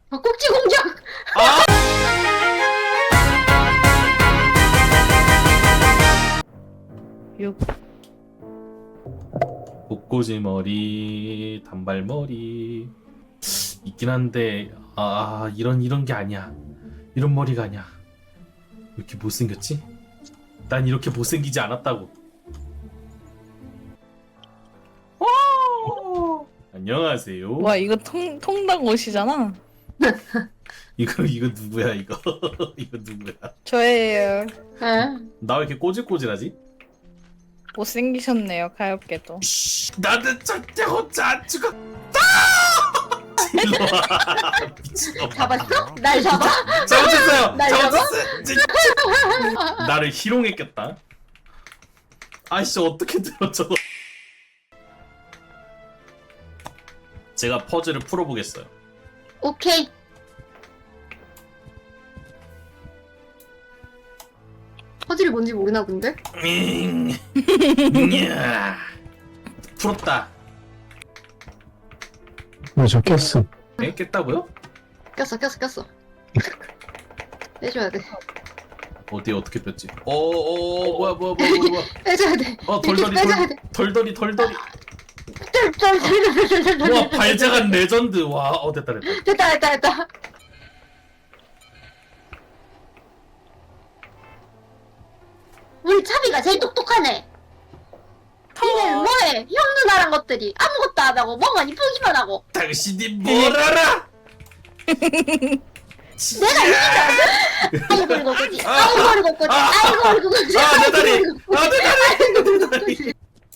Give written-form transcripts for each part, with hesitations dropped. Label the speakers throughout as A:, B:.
A: 꼭지 공격!
B: 아! 목꼬지 머리, 단발머리 있긴 한데 이런 게 아니야. 이런 머리가 아니야. 왜 이렇게 못생겼지? 난 이렇게 못생기지 않았다고. 안녕하세요.
C: 와 이거 통닭 옷이잖아.
B: 이거 누구야 이거? 이거 누구야?
C: 저예요.
A: 응.
B: 나 왜 이렇게 꼬질꼬질하지?
C: 못생기셨네요 가엾게도.
B: 나는 절대 혼자 안 죽어. 일로 와. 미친놈아.
A: 잡았어? 날 잡아?
B: 잘못했어요.
A: 날
B: 잘못했어요. 진짜. 나를 희롱했겠다. 아이씨 어떻게 들어 저거. 제가 퍼즐을 풀어보겠어요.
A: 오케이. 퍼즐이 뭔지 모르나 본데?
B: 야. 풀었다.
D: 저 깼어.
B: 에? 깼다고요?
A: 꼈어. 빼줘야 돼.
B: 어떻게 뺐지? 뭐야.
A: 빼줘야 돼.
B: 덜덜이
A: 빼줘야 돼.
B: 덜덜이.
A: 쩔.
B: 와 발작한 레전드. 와 됐다.
A: 됐다. 우리 차비가 제일 똑똑하네. 니는 뭐해? 형 누나란 것들이 아무것도 안 하고 뭐만 이쁘기만 하고.
B: 당신이 뭘 알아?
A: 내가 이긴다. 아이고 그리고 그지. 아이고 그리고 그지.
B: 내 다리.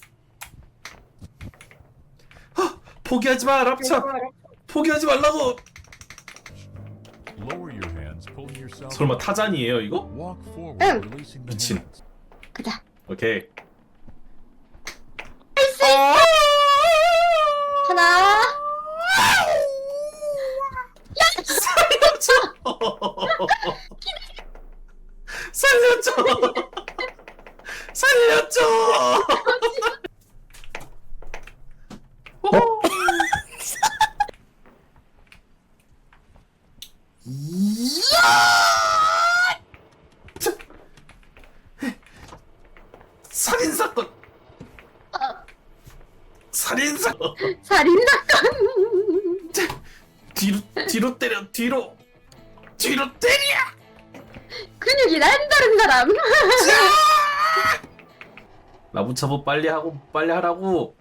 B: 포기하지 마, 랍차. 포기하지 말라고. 설마 타잔이에요 이거?
A: 응.
B: 미친.
A: 가자.
B: 오케이.
A: 하나.
B: 살려줘. 살인사건. 살인사건.
A: 살인사건.
B: 뒤로 때려. 뒤로 때려.
A: 근육이 남다른 사람.
B: 라부차부 빨리 하라고.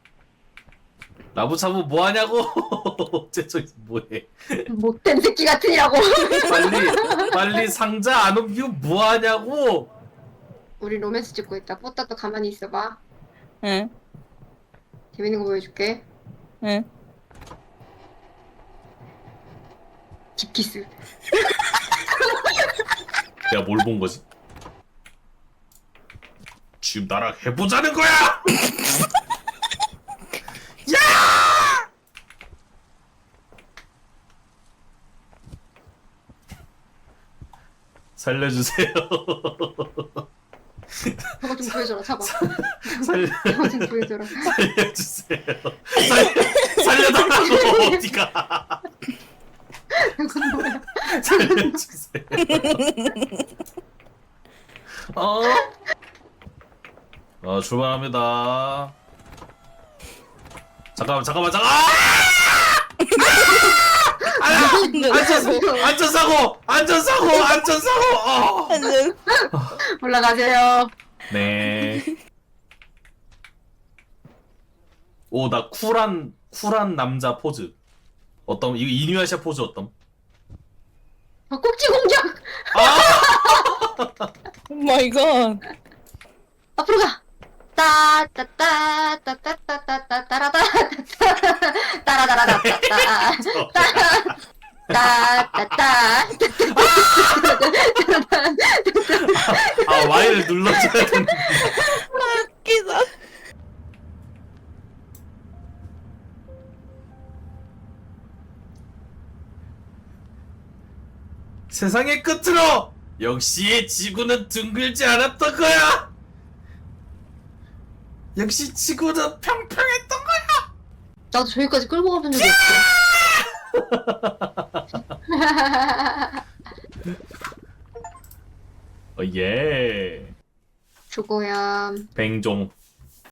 B: 라부차부 뭐 하냐고. 쟤 뭐해?
A: 못된 새끼 같으냐고.
B: 빨리 상자 안 옮기고 뭐 하냐고.
A: 우리 로맨스 찍고 있다. 뽀따 또 가만히 있어봐.
C: 응.
A: 재밌는 거 보여줄게.
C: 응.
A: 딥키스.
B: 내가 뭘 본 거지? 지금 나랑 해보자는 거야! 야! 살려주세요.
A: 저거 좀 보여줘라. 잡아.
B: 살려,
A: 저거 좀 보여줘라.
B: 살려주세요. 살려달라고 어디가?
A: 이건 뭐야?
B: 살려주세요. 출발합니다. 잠깐만. 안전사고.
A: 올라가세요.
B: 네. 오, 나 쿨한 남자 포즈. 어떤 이거 이누야샤 포즈 어떤?
A: 꼭지 공격.
C: 오 마이 갓.
A: 앞으로 가.
B: Y를 눌러줘야 되는데.
C: 웃기다.
B: 세상의 끝으로 역시 지구는 둥글지 않았던 거야. 역시 지구는 평평했던 거야.
A: 나도 저기까지 끌고 가본 적이 없어.
B: 예.
A: 수고야.
B: 뱅종.